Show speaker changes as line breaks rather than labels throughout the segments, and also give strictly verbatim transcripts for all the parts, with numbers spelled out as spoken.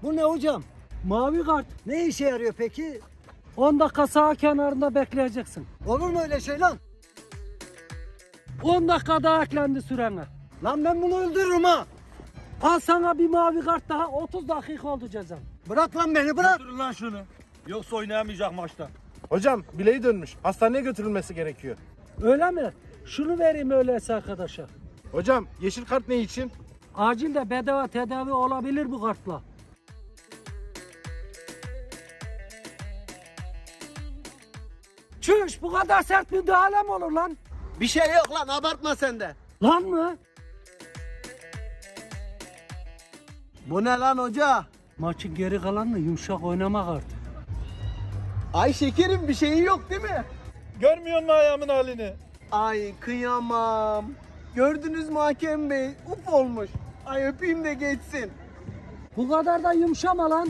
Bu ne hocam?
Mavi kart.
Ne işe yarıyor peki?
on dakika sağ kenarında bekleyeceksin.
Olur mu öyle şey lan?
on dakika daha eklendi sürene.
Lan ben bunu öldürürüm ha.
Al sana bir mavi kart daha, otuz dakika oldu cezan.
Bırak lan beni bırak.
Götürün lan şunu. Yoksa oynayamayacak maçta.
Hocam bileği dönmüş. Hastaneye götürülmesi gerekiyor.
Öyle mi? Şunu vereyim öyleyse arkadaşa.
Hocam yeşil kart ne için?
Acil de bedava tedavi olabilir bu kartla. Çüş, bu kadar sert müdahale mi olur lan?
Bir şey yok lan, abartma sen de.
Lan mı?
Bu ne lan hoca?
Maçın geri kalanını yumuşak oynamak artık.
Ay şekerim, bir şeyin yok değil mi?
Görmüyor musun ayağımın halini?
Ay kıyamam. Gördünüz mü hakem bey? Uf olmuş. Ay öpeyim de geçsin.
Bu kadar da yumuşama lan.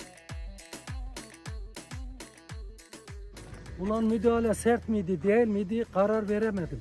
Ulan müdahale sert miydi değil miydi karar veremedim.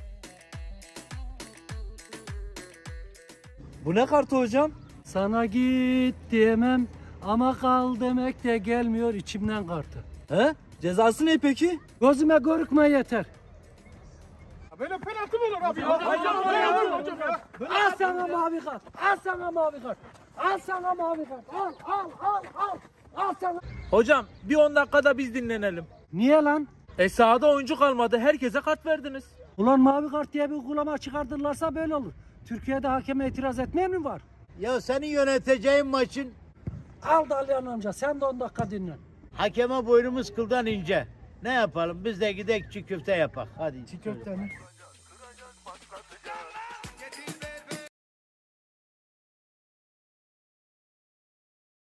Bu ne kartı hocam?
Sana git diyemem ama kal demek de gelmiyor içimden kartı.
He? Cezası ne peki?
Gözüme görükme yeter.
Böyle penaltı mı olur abi ya?
Al sana mavi kart. Al sana mavi kart. Al sana mavi kart. Al al al al. Al sana.
Hocam bir on dakikada biz dinlenelim.
Niye lan?
E sahada oyuncu kalmadı. Herkese kart verdiniz.
Ulan mavi kart diye bir uygulama çıkartırlarsa böyle olur. Türkiye'de hakeme itiraz etmeyen mi var?
Ya senin yöneteceğin maçın
Al Dalyan amca sen de on dakika dinlen.
hakeme boynumuz kıldan ince. Ne yapalım biz de gidek çiğ köfte yapak. Hadi.
Çiğ köfte mi?